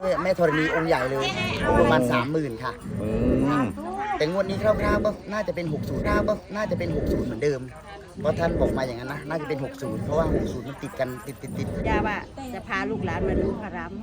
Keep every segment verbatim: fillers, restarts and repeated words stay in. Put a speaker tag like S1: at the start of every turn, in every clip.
S1: แม่ธรณีองค์ใหญ่เลยประมาณสามหมื่นค่ะแต่งวดนี้คร่าวๆก็น่าจะเป็นหกสิบคร่าวก็น่าจะเป็นหกสิบเหมือนเดิมเพราะท่านบอกมาอย่างนั้นนะน่าจะเป็นหกสิบเพราะว่าหกสิบมันติดกันติดติดติด
S2: ย่าว่าจะพาลูกหลานมาดูพระราม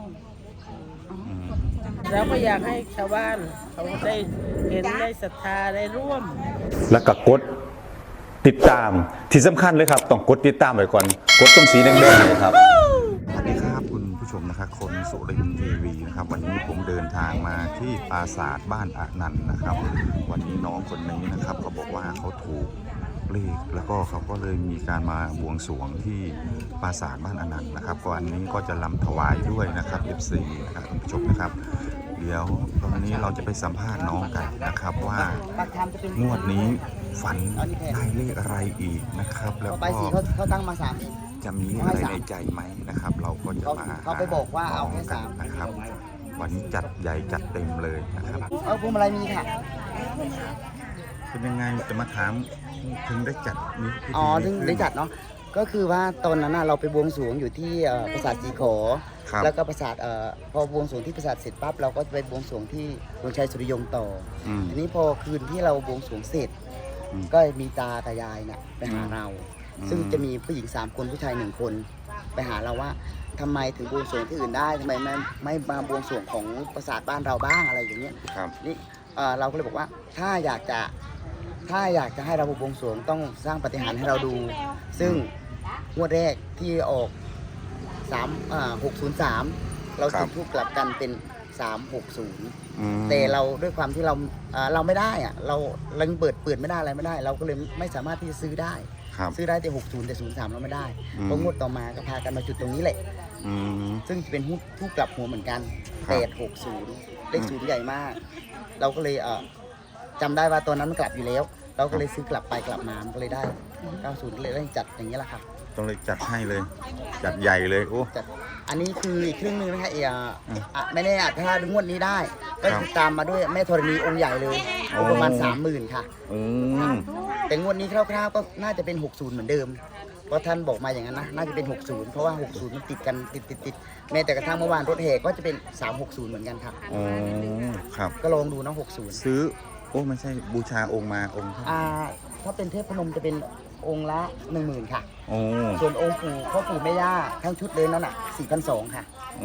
S3: แล้วก็อยากให้ชาวบ้านเขาได้เห็นได้ศรัทธาได้ร่วม
S4: แล้วก็กดติดตามที่สำคัญเลยครับต้องกดติดตามไว้ก่อนกดตรงสีแดงๆเลยครับสวัสดีครับคุณผู้ชมนะครับคนสุรินทร์ทีวีนะครับวันนี้ผมเดินทางมาที่ปราสาทบ้านอนันต์นะครับวันนี้น้องคนนี้นะครับเขาบอกว่าเขาถูกเลขแล้วก็เขาก็เลยมีการมาบวงสรวงที่ปราสาทบ้านอนันต์นะครับก็อันนี้ก็จะลำถวายด้วยนะครับ เอฟ ซี นะครับคุณผู้ชมนะครับเดี๋ยวตอนนี้เราจะไปสัมภาษณ์น้องกันนะครับว่างวดนี้ฝันได้เลขอะไรอีกนะครับแล้วก็
S1: เขาตั้งมาสาม
S4: จะมีอะไรในใจไหมนะครับเราก็จะมา
S1: เขาไปบอกว่าเอาแค่สาม
S4: นะครับวันนี้จัดใหญ่จัดเต็มเลยนะครับ
S1: เอาพวงมาลัยมีค่ะ
S4: เป็นยังไงจะมาถามถึงได้จัดนี้
S1: อ๋อถึงได้จัดเนาะก็คือว่าตอนนั้นเราไปบวงสรวงอยู่ที่ปราสาทสีขอแล้วก็ปราสาทพอบวงสรวงที่ปราสาทเสร็จปั๊บเราก็ไปบวงสรวงที่ดวงชัยสุริยงต่อทีนี้พอคืนที่เราบวงสรวงเสร็จก็มีตากับยายเนี่ยไปหาเราซึ่งจะมีผู้หญิงสามคนผู้ชายหนึ่งคนไปหาเราว่าทำไมถึงบวงสรวงที่อื่นได้ทำไมไม่ไม่มาบวงสรวงของปราสาทบ้านเราบ้างอะไรอย่างเงี้ยนี่เราก็เลยบอกว่าถ้าอยากจะถ้าอยากจะให้เราบวงสรวงต้องสร้างปาฏิหาริย์ให้เราดูซึ่งงวดแรกที่ออกสามหกศูนย์สามเราจุดทูปกลับกันเป็นสามหกศูนย์แต่เราด้วยความที่เราเราไม่ได้อะเราเราเปิดเปิดไม่ได้อะไรไม่ได้เราก็เลยไม่สามารถที่จะซื้อได้ซื้อได้แต่หกศูนย์แต่ศูนย์สามเราไม่ได้เพราะงวดต่อมาก็พากันมาจุดตรงนี้แหละซึ่งเป็นทูปกลับหัวเหมือนกันแปดหกศูนย์เลขศูนย์ใหญ่มากเราก็เลยจำได้ว่าตอนนั้นมันกลับอยู่แล้วเราก็เลยซื้อกลับไปกลับมามันก็เลยได้เก้าศูนย์เลยได้จัดอย่างนี้แหละครับ
S4: ต้องเลยจัดให้เลยจัดใหญ่เลยโอ้
S1: จัดอันนี้คืออีกครึ่งนึงนะคะเออไม่แน่อาจถ้าถึงงวดนี้ได้ก็ติดตามมาด้วยแม่ธรณีองค์ใหญ่เลยประมาณสามหมื่นค่ะแต่งวดนี้คร่าวๆก็น่าจะเป็นหกสิบเหมือนเดิมเพราะท่านบอกมาอย่างนั้นนะน่าจะเป็นหกสิบเพราะว่าหกสิบมันติดกันติดติดติดแม้แต่กระทั่งเมื่อวานรถแห่ก็จะเป็นสามหกศูนย์เหมือนกันครับ
S4: อ๋อครับ
S1: ก็ลองดูนะหกสิบ
S4: ซื้อโอ้ไม่ใช่บูชาองค์มาองค์
S1: อ่าถ้าเป็นเทพพนมจะเป็นองค์ละหนึ่งหมื่นค่ะส่วนองค์ปู่พ่อปู่แม่ย่าทั้งชุดเลยนั่นน่ะสี่พันสองค่ะ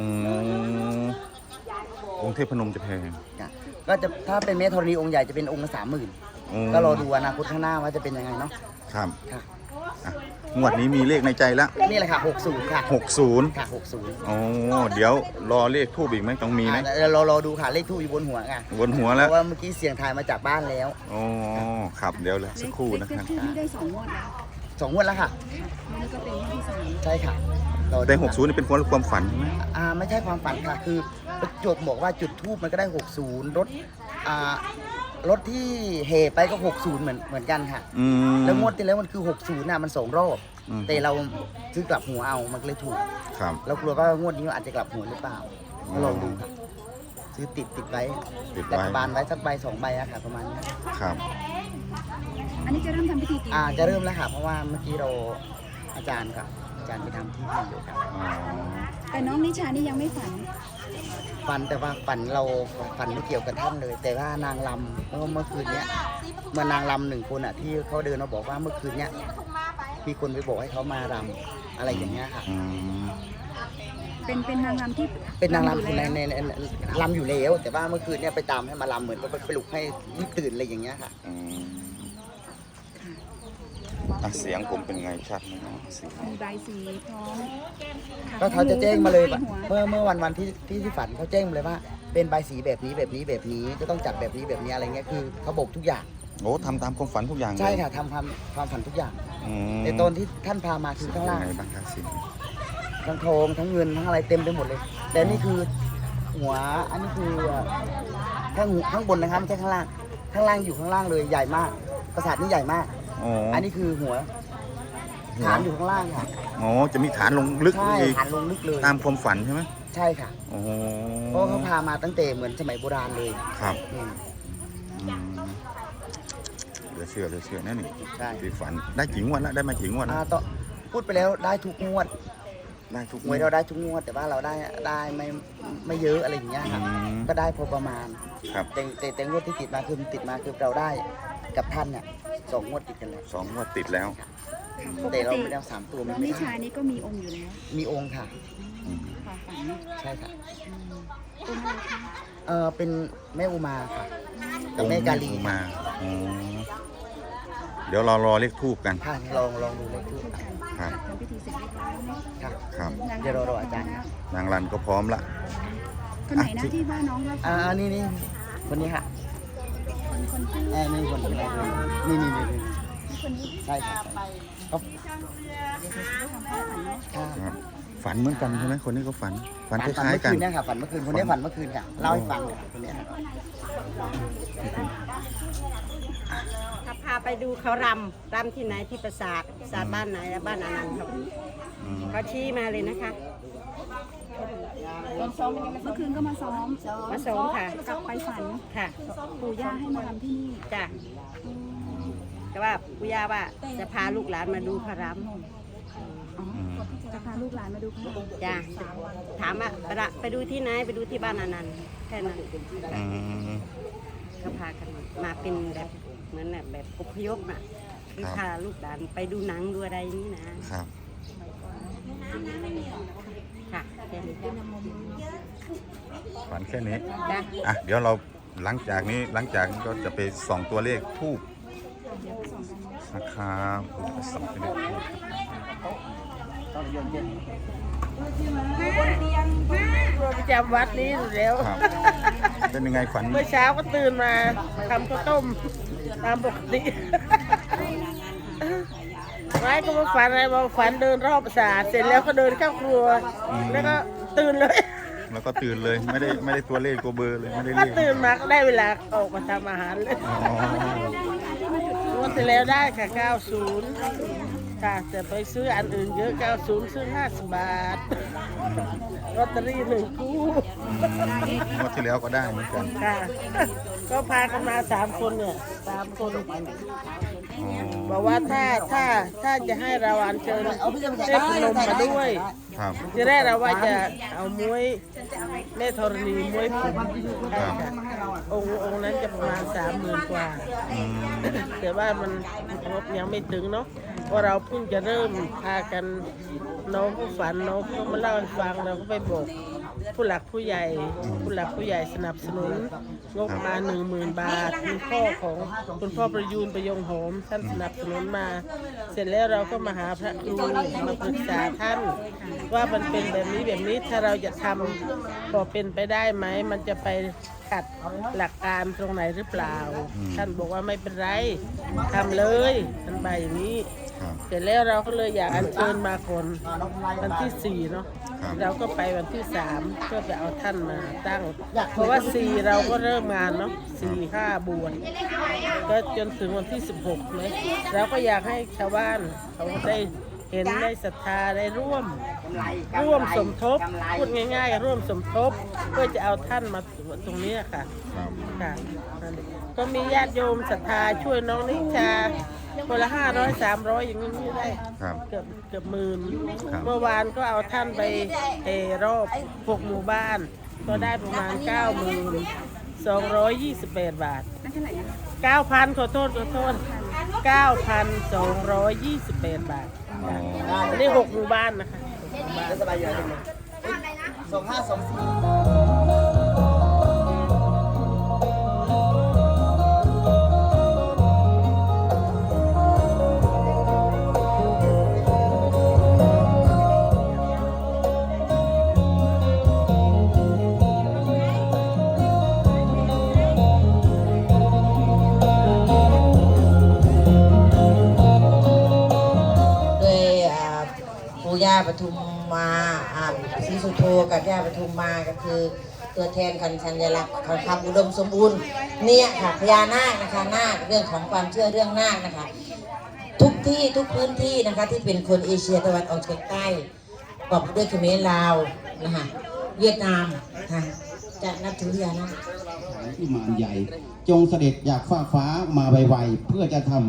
S4: องค์เทพพนมจะแพง
S1: ก็จะถ้าเป็นแม่ธรณีองค์ใหญ่จะเป็นองค์ละสามหมื่นก็รอดูอนาคตข้างหน้าว่าจะเป็นยังไงเนาะ
S4: ครับค่ะงวดนี้มีเลขในใจแล้ว
S1: นี่แหละค่ะหกสิบค่ะ
S4: หกสิบ
S1: ค่ะหกสิบ
S4: อ๋อเดี๋ยวรอเลขทูบอีกไหมต้องมีไหม
S1: เรารอดูค่ะเลขทูบอยู่บนหัวค่ะ
S4: บนหัวแล้ว
S1: เพราะว่าเมื่อกี้เสียงทายมาจากบ้านแล้ว
S4: อ๋อครับเดี๋ยวเลยสักครู่นะครับ
S2: ที่ได้สองงวดแล้ว
S1: สองงวดแล้วค่ะ
S2: นี่ก็เป็นที่สาม
S1: ใช่ค่ะ
S4: แต่หกสิบนี่เป็นความฝันใช่ไหม
S1: อ่าไม่ใช่ความฝันค่ะคือประจวบบอกว่าจุดทูบมันก็ได้หกสิบรถอ่ารถที่เฮไปก็หกสิบเหมือนเหมือนกันค่ะแล้วงวดที่แล้วมันคือหกสิบน่ะมันสองรอบแต่เราซื้อกลับหัวเอามันก็เลยถูกเรากลัวว่างวดนี้อาจจะกลับหัวหรือเปล่าลองดูครับซื้อติดติดไว้รัฐบาลไว้สักใบสองใบอะค่ะประมาณนี้
S4: ครับ
S2: อันนี้จะเริ่มทำพิธี
S1: อ่าจะเริ่มแล้วค่ะเพราะว่าเมื่อกี้เราอาจารย์ครับอาจารย์ไปทำที่ที่อยู่ครับ
S2: แต่น้องนิชานี่ยังไม่ฝัน
S1: ฝันแต่ว่าฝันเราฝันไม่เกี่ยวกับท่านเลย แต่ว่านางลำเมื่อเมื่อคืนเนี้ยเมื่อนางลำหนึ่งคนอ่ะที่เขาเดินมาบอกว่าเมื่อคืนเนี้ยมีคนไปบอกให้เขามารำอะไรอย่างเงี้ยค่ะ
S2: เป็นเป็นนางรำที่
S1: เป็นนางรำในในรำอยู่แล้วแต่ว่าเมื่อคืนเนี้ยไปตามให้มารำเหมือนไปปลุกให้รีบตื่นอะไรอย่างเงี้ยค่ะ
S4: เสียงผมเป็นไงชัดไหมเนาะ
S2: มีใบสีพร้อม
S1: ก็เขาจะแจ้งมาเลยเมื่อเมื่อวันวันที่ที่ที่ฝันเขาแจ้งมาเลยว่าเป็นใบสีแบบนี้แบบนี้แบบนี้จะต้องจัดแบบนี้แบบนี้อะไรเงี้ยคือเขาบอกทุกอย่าง
S4: โอ้ทำตามความฝันทุกอย่าง
S1: ใช่ค่ะทำความความฝันทุกอย่างในตอนที่ท่านพามาคือข้างล่างทั้งทองทั้งเงินทั้งอะไรเต็มไปหมดเลยแต่นี่คือหัวอันนี้คือข้างข้างบนนะครับไม่ใช่ข้างล่างข้างล่างอยู่ข้างล่างเลยใหญ่มากปราสาทนี้ใหญ่มากอันนี้คือหัวฐานอยู่ข้างล่างค่ะ
S4: อ๋อจะมีฐานลงลึก
S1: ใช่ฐานลงลึกเลย
S4: ตามความฝันใช่ไหม
S1: ใช่ค่ะเพราะเขาพามาตั้งแต่เหมือนสมัยโบราณเลย
S4: ครับเดี๋ยวเชื่อเดี๋ยวเชื่อแน่นี่ที่ฝันได้กี่งวดแล้วได้มากี่งวดแล้ว
S1: ต่อพูดไปแล้วได้ทุกงวด
S4: ได้ทุก
S1: หวยเราได้ทุกงวดแต่ว่าเราได้ได้ไม่ไม่เยอะอะไรอย่างเงี้ยครับ
S4: อืม
S1: ก็ได้พอประมาณ
S4: ครับ
S1: แต่แต่แต่งวดที่ติดมาคือติดมาคือเราได้กับท่านเนี่ยสองงวดติดกันแล้ว
S4: สองงวดติดแล้ว
S2: ปก
S1: แต่เรา
S2: ติ
S1: ไม่ได้เอาสามตัว
S2: น้
S1: ไม่
S2: องนิ
S1: ได้
S2: ชานี่ก็มีองค์อยู่แล้ว
S1: มีองค์ค่ะ
S4: อืม
S2: ค่ะฝัน
S1: ใช่ค่ะ
S2: อืมองค์อะไรคะ
S1: เออเป็นแม่อุมาค่ะกับแม่กาลี
S4: องค์มาอ๋อเดี๋ยวเรารอเลขทูบกัน
S1: ค่ะลองลองดูเลขทูป
S4: ครับ
S2: ทำพิธีเสร็จเรียบร้อยแล้วเนาะ
S1: ค่ะ
S4: ครับ
S1: เดี๋ยวเรารออาจารย์นะ
S4: นางรันก็พร้อมละ
S2: คนไหนนะที่ว่าน้องว่าฝั
S1: อ่าน นี่นี่คนนี้ค่ะ
S2: คนคนที่
S1: เออนี่คนนี้นี่นี่นี่นี่
S2: คนนี้
S1: ใช่ค่ะเขา
S2: ทำให้ฝันเนาะ
S1: ค่ะ
S4: ครับฝันเหมือนกันใช่ไหมคนนี้ก็ฝัน ฝันค
S1: ฝัน
S4: ล้าย
S1: เมื่อ
S4: ๆกัน
S1: คืนเนี่ยค่ะฝันเมื่อคืนคนนี้ฝันเมื่อคืนค่ะเล่าให้ฟังเลยค่ะคนเนี้ยค่ะ
S5: ถ้าพาไปดูเขารำรำที่ไหนที่ปราสาทปราสาทบ้านไหนและบ้านอนันต์ครับ
S4: อืม
S5: เขาชี้มาเลยนะคะ
S2: เมื่อคืนก็มาซ้อม
S5: มาส่งค่ะ
S2: กลับไปฝัน
S5: ค่ะ
S2: ปู่ย่าให้มาทำที่นี่
S5: จ้ะแต่ว่าปุย่าว่าจะพาลูกหลานมาดูเขาร
S2: อ๋อจะพาลูกหลานมาดูค่ะ
S5: ำจ้ะถามว่าไปละไปดูที่ไหนไปดูที่บ้านอนันต์แค่นั้น
S4: อืม
S5: ก็พากันมามาเป็นแบบเหมือนแบบแบบอพยพน่ะคือ
S4: ครับ
S5: พาลูกหลานไปดูหนังดูอะไรนี่นะครับ ค่ะแค่นี้
S4: ฝันแค่นี้
S5: จ้ะ
S4: อ่ะ เดี๋ยวเราหลังจากนี้หลังจากนี้ก็จะไปส่องตัวเลขทูบนะครับไปส่องตัวเลขทูบ
S3: ประจำวัดนี้อยู่แล้ว
S4: ครับ เป็นยังไงฝัน
S3: เมื่อเช้าก็ตื่นมาทำข้าวต้มตามปกติไว้ก็มาฝันอะไรมาฝันเดินรอบปราสาทเสร็จแล้วก็เดินเข้าครัว แล้วก็ตื่นเลย
S4: แล้วก็ตื่นเลยไม่ได้ไม่ได้ตัวเลขตัวเบอร์เลยไม่ได้
S3: ก็
S4: เลข
S3: ตื่นมาก็ได้เวลาออกมาทำอาหารเลย
S4: อ๋อ
S3: วันที่แล้วได้ค่ะเก้าสิบค่ะแต่ไปซื้ออันอื่นเยอะเก้าสิบซื้อห้าสิบบาทลอตเตอรี่หนึ่งคู่
S4: อืมงวดที่แล้วก็ได้เหมือนกัน
S3: ค่ะ ก็พากันมาสามคนเนี่ยสามคน
S4: อ๋อ
S3: บอกว่าถ้าถ้าถ้าจะให้เราอัญเชิญเทพนมมาด้วย
S4: ครับ
S3: ทีแรกเราว่าจะเอามวยแม่ธรณีมวยผมองค์องค์นั้นจะประมาณสามหมื่นกว่า
S4: อืม
S3: แต่ว่ามันงบยังไม่ถึงเนาะเพราะเราเพิ่งจะเริ่มพากันน้องผู้ฝันน้องเขามาเล่าให้ฟังเราก็ไปบอกผู้หลักผู้ใหญ่ ผู้หลักผู้ใหญ่สนับสนุนงบมาหนึ่งหมื่นบาทคุณพ่อของคุณพ่อประยูนประยงโหมท่านสนับสนุนมา เสร็จแล้วเราก็มาหาพระครูมาปรึกษาท่าน ว่ามันเป็นแบบนี้แบบนี้ถ้าเราจะทำพอเป็นไปได้ไหมมันจะไปขัดหลักการตรงไหนหรือเปล่า ท่านบอกว่าไม่เป็นไรทำเลยท่านไปอย่างนี้
S4: ครับ
S3: เสร็จแล้วเราก็เลยอยากอัญเชิญมาคนวันที่สี่เนาะ
S4: ครับ
S3: เราก็ไปวันที่สามเพื่อไปเอาท่านมาตั้ง เพราะว่าสี่เราก็เริ่มงานเนาะสี่ห้าบวชก็จนถึงวันที่สิบหกเลยเราก็อยากให้ชาวบ้านเขาได้เห็นได้ศรัทธาได้ร่วม ร่วมสมทบพูดง่ายๆ ร่วมสมทบเพื่อจะเอาท่านมาตรงนี้ค่ะ
S4: ครับ
S3: ค่ะนั่นเองก็มีญาติโยมศรัทธาช่วยน้องนิชาคนละห้าร้อยสามร้อยอย่างนี้ได้
S4: ครับ
S3: เกือบเกือบหมื่น
S4: ครับ
S3: เมื่อวานก็เอาท่านไปเออรอบหกหมู่บ้าน ก็ได้ประมาณเก้าหมื่นสองร้อยยี่สิบแปดบาท
S2: นั่นเท่าไหร่นะ
S3: เก้าพันขอโทษขอโทษเก้าพันสองร้อยยี่สิบแปดบาท
S4: อ๋อ
S3: อันนี้หกหมู่บ้านนะคะหกหมู่บ้าน
S1: จะสบายอยู่แล้วสองห้าสองสี่
S6: โดยอ่าปู่ย่าปทุมมาอ่าศรีสุโธกับย่าปทุมมาก็คือตัวแทนคันชัญลักษณ์ของความอุดมสมบูรณ์เนี่ยค่ะพญานาคนะคะนาคเรื่องของความเชื่อเรื่องนาคนะคะ ทุกที่ทุกพื้นที่นะคะที่เป็นคนเอเชียตะวันออกเฉียงใต้ประกอบด้วยเขมรลาวนะคะเวียดนามค่ะจะนับถือพญานาค
S7: ที่มารใหญ่ จงเสด็จจากฟ้าฟ้ามาไวๆเพื่อจะทำ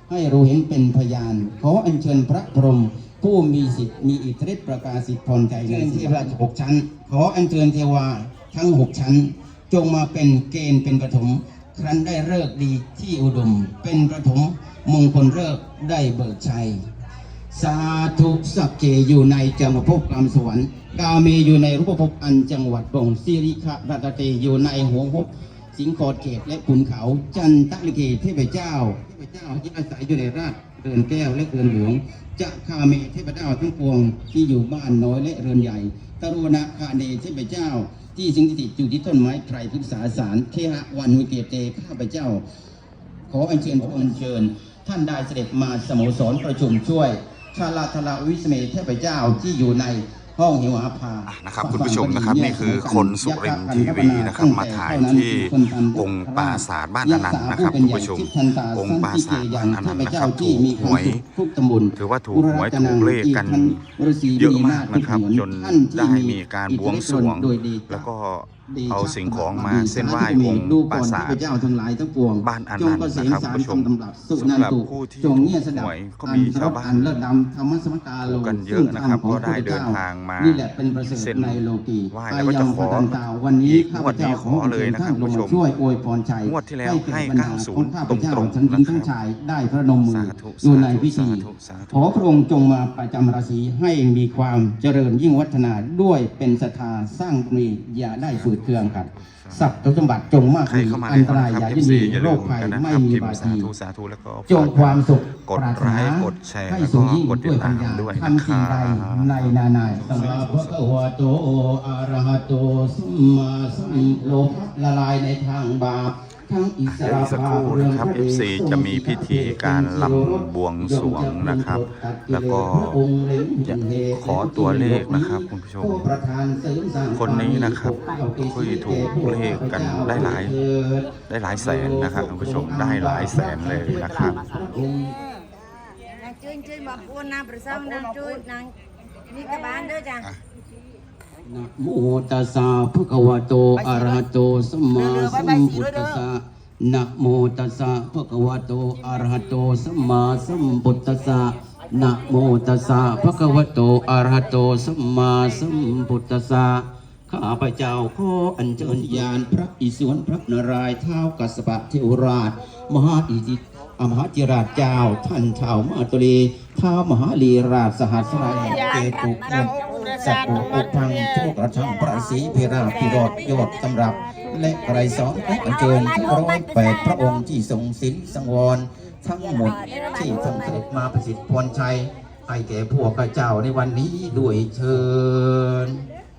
S7: ให้รู้เห็นเป็นพยานขออัญเชิญพระพรหมผู้มีสิทธิ์มีอิทธิฤทธิประกาศสิทธิ์พรใจในเทพราชหกชั้นขออัญเชิญเทวาทั้งหกชั้นจงมาเป็นเกณฑ์เป็นปฐมครั้นได้ฤกษ์ดีที่อุดมเป็นปฐมมงคลฤกษ์ได้เบิกชัยสาธุสักเกอยู่ในจังหวัดภพกรรมสวรรค์กาเมอยู่ในรูปภพอันจังหวัดปงสิริขะรัตเตอยู่ในหัวภพสิงคอดเขตและขุนเขาจันทลิเกเทพเจ้าเทพเจ้าที่อาศัยอยู่ในราชเรือนแก้วและเรือนหลวงจะคาเมเทพเจ้าทั้งปวงที่อยู่บ้านน้อยและเรือนใหญ่ตรุณะคาเนเทพเจ้าที่สิงสถิตอยู่ที่ต้นไม้ไตรพฤกษาสารเคหะวันหุเกเตข้าพเจ้าขออัญเชิญขออัญเชิญท่านได้เสด็จมาสโมสรประชุมช่วยชาลาธลาวิสเมเทพเจ้าที่อยู่ในห้องหิวอาภา
S4: อ่ะนะครับคุณผู้ชมนะครับนี่คือคนสุรินทร์ทีวีนะครับมาถ่ายที่องค์ปราสาทบ้านอนันต์นะครับคุณผู้ชมองค์ปราสาทบ้านอนันต์นะครับถูกหวยถือว่าถูกหวยถูกเลขกันเยอะมากนะครับจนได้มีการบวงสรวงแล้วก็เอาสิ่งของมาเส้นไหว้องค์ปราสาทบ้านอนันต์นะครับคุณผู้ชมสำหรับผู้ที่ถูกหวยก็มีชาวบ้านถูกกันเยอะนะครับก็ได้เดินทางมาเส้นไหว้แล้วก็จะขออีกงวดนี้ขอเลยนะครับคุณผู้ชมงวดที่แล้วให้เก้าสิบตรงๆนะครับ
S7: ได้พระนมมือ
S4: สาธุ
S7: อยู่ในพิธี
S4: สาธุสาธุ
S7: ขอพระองค์จงมาประจำราศีให้มีความเจริญยิ่งวัฒนาด้วยเป็นศรัทธาสร้างบุญอย่าได้ฝืดเคืองครับทรัพย์สมบัติจงมาก
S4: ใคร
S7: มี
S4: เข้ามา
S7: อันตราย
S4: ใน
S7: อย่า
S4: ค
S7: ยิ
S4: ลิ
S7: น
S4: ป
S7: ดี
S4: อย่า
S7: โร
S4: ลื
S7: ค
S4: ม
S7: ภัย
S4: กันนะ
S7: ไม่
S4: ครับ
S7: มี
S4: พิม
S7: บา
S4: พ์สา
S7: ที
S4: ธุสาธุแล้วก็
S7: จงความสุข
S4: กด
S7: ปรารถ
S4: ไล
S7: นา
S4: ค์กดแชร์
S7: ให้
S4: แล้ว
S7: สู
S4: ก็
S7: งยิ่ง
S4: กดติ
S7: ด้
S4: ด
S7: วยปั
S4: ตา
S7: ญ
S4: ม
S7: ญา
S4: ด้วยนะ
S7: ทำ
S4: ค
S7: สิ่ง
S4: รั
S7: ใด
S4: บ
S7: ในนานาสัมมาพระคะวะโตอะระหะโตสัมมาสัมโลภะละลายในทางบาปทั้งอิส
S4: เดี๋ยว
S7: ระ
S4: อีกสักครู่นะครับ เอฟ ซี จะมีพิธีการลำบวงสรวงนะครับ แล้วก็จะขอตัวเลขนะครับคุณผู้ชม คนนี้นะครับคุยถูกเลขกันได้หลายได้หลายแสนนะครับคุณผู้ชมได้หลายแสนเลยนะครับ
S5: นางจุ้ยจุ้ยบอกพูดนางประสงนางจุ้ยนางนี่กระบาลเด้อจ้ะ
S7: นะโมตัสสะภะคะวะโตอะระหะโตสัมมาสัมพุทธัสสะนะโมตัสสะภะคะวะโตอะระหะโตสัมมาสัมพุทธัสสะนะโมตัสสะภะคะวะโตอะระหะโตสัมมาสัมพุทธัสสะข้าพเจ้าขออัญเชิญญาณพระอิศวรพระนารายณ์ท้าวกัสสปะเทวราช มหาอิทธิอมหาจิราชเจ้าท่านเท้ามาตุลีท้าวมหาลีราชสหัสราชเกตุกนสัตว์อุพังโชคระชังประสีพิราพิโรธยอดตำรับ และไกรสอนและอัญเชิญทั้งร้อยแปดพระองค์ที่ทรงศีลสังวรทั้งหมดที่ทรงเสด็จมาประสิทธิ์พรชัยให้แก่พวกข้าเจ้าในวันนี้ด้วยเชิญ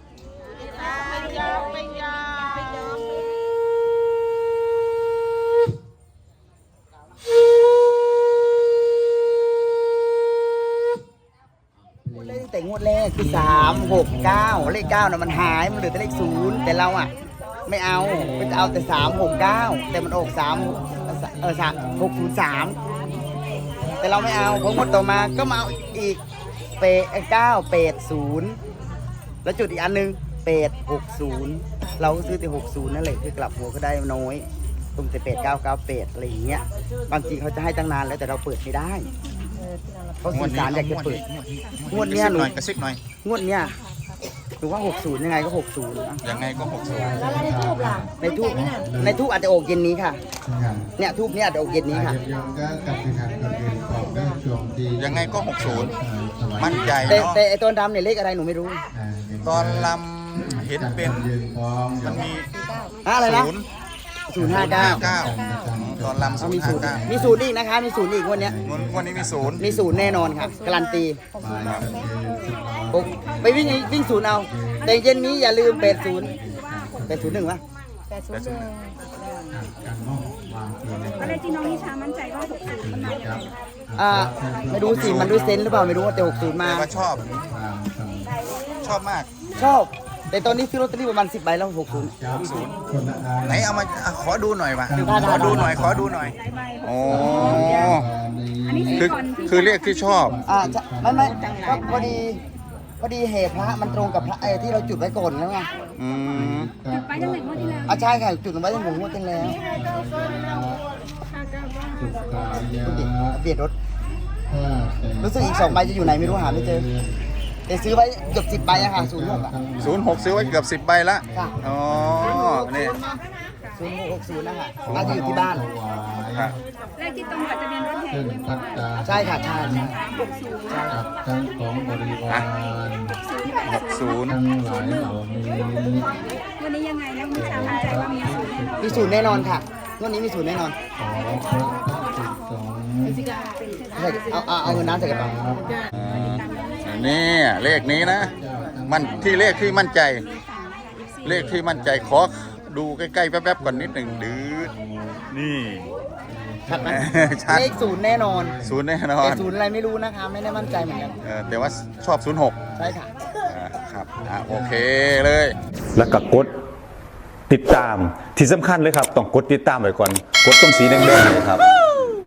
S1: เลขแต่งวดแรกคือสามหกเก้าเลขเก้าน่ะมันหายมันเหลือแต่เลขศูนย์แต่เราอ่ะไม่เอาไม่เอาแต่สามหกเก้าแต่มันออกสามเออสามหกศูนย์สามแต่เราไม่เอาพองวดต่อมาก็มาเอาอีกเปดเก้าเปดศูนย์แล้วจุดอีกอันหนึงเปดหกศูนย์เราก็ซื้อแต่หกศูนย์นั่นแหละคือกลับหัวก็ได้น้อยตรงแต่เปดเก้าเก้าเปดอะไรอย่างเงี้ยบางทีเขาจะให้ตั้งนานแล้วแต่เราเปิดไม่ได้เขาสื่อสารอยากจะเปิดงวดเนี้ยหนู
S4: กระซิบหน่อย
S1: งวดเนี้ยหนูว่าหกศูนย์ยังไงก็หกศูนย์
S4: ยังไงก็หกสิบ
S1: ในทูบในทูบอาจจะออกเย็นนี้ค่ะเนี่ยทูบเนี้ยอาจจะออกเย็นนี้ค่ะ
S4: ยังไงก็หกศูนย์มั่นใจ
S1: แต่
S4: เนาะ
S1: แต่ไอตัวดำเนี่ยเลขอะไรหนูไม่รู้
S4: ตอนลำเห็นเป็นมันมี
S1: อะอะไรนะ
S4: ศูนย์
S1: ศูนย์ห้าเก้า
S4: เก้าตอนลำศูน
S1: มี
S4: ย์
S1: ศู
S4: ห้าน
S1: ย์
S4: เก้า
S1: มีศูนย์อีกนะคะมีศูนย์อีกงวันเนี้ย
S4: วันนี้มีศูนย์
S1: มีศูนย์แน่นอนค่ะการันตีโอ้ไปวิ่งวิ่งศูนย์เอาแต่เย็นนี้อย่าลืมแปดศูนย์แปดศูนย์หนึ่งวะ
S2: อะไรที่น้องนิชามั่นใจว่าหกสิบมันมา
S1: อ่าไม่รู้สิมันด้วยเซนส์หรือเปล่าไม่รู้แต่หกศูนย์มา
S4: แต่ว่าชอบ ชอบมาก
S1: ชอบ แต่ตอนนี้ซื้อลอตเตอรี่ประมาณสิบใบแล้วหกศูนย์
S4: ศูนย์ไหนเอามาอ่ะขอดูหน่อยมา
S1: ได้ได้
S4: ขอดูหน่อยขอดูหน่อยโอ้
S2: อันนี้
S4: คือ
S2: ก่อนที่
S4: คือเรียกที่ชอบ
S1: อ่าจะไม่ไม่ก็พอดีพอดีเหตุพระมันตรงกับพระไอ้ที่เราจุดไว้ก่อนแล้วไง
S4: อืม
S2: จุดไปตั้งแต่งวดที่แล้ว
S1: อ่ะใช่ค่ะจุดไว้ตั้งแต่งวดที่แล้ว
S2: ค
S1: เบียดรถรู้สึกอีกสองใบจะอยู่ไหนไม่รู้หาไม่เจอแต่ซื้อไว้เกือบสิบใบอะค่ะศูนย์หกอะ
S4: ศูนย์หกซื้อไว้เกือบสิบใบละ
S1: ค่ะ
S4: อ๋อนี่
S1: ศูนย์หกหกศูนย์นะคะน่าจะอยู่ที่บ้าน
S4: ครับ
S2: เลขที่ตรงกับทะเบียนรถแห่ด้วยมั้ง
S1: ใช่ค่ะใช่ใช่
S2: หกศูนย์
S8: กับทั้งของบริวาร
S4: หกศูนย์
S8: ทั้งหลายเหล่านี้
S2: วันนี้ยังไงนะคุณชามั่นใจว่ามีศูนย์แน่นอน
S1: มีศูนย์แน่นอนค่ะงวันนี้มีศูนย์แน่นอน
S8: ขอพระภิกษุสงฆ์
S1: ใช่เอาเอาเอาเงินน้ำใส่กระเป๋า
S4: อ่านี่เลขนี้นะ มันที่เลขที่มั่นใจ เลขที่มั่นใจขอดูใกล้ๆแป๊บๆก่อนนิดหนึ่งดื้อนี่
S1: ชัดไหม
S4: ชัด
S1: เลขศูนย์แน่นอน
S4: ศูนย์แน่นอ
S1: แต่
S4: น
S1: ศูนย์อะไรไม่รู้นะคะ ไม่ได้มั่นใจเหมือนกัน
S4: เออแต่ว่าชอบศูนย์หก
S1: ใช่ค่ะ
S4: อ่าครับอ่าโอเคเลย แล้วก็กดติดตามที่สำคัญเลยครับ ต้องกดติดตามไว้ก่อน กดตรงสีแดงๆเลยครับ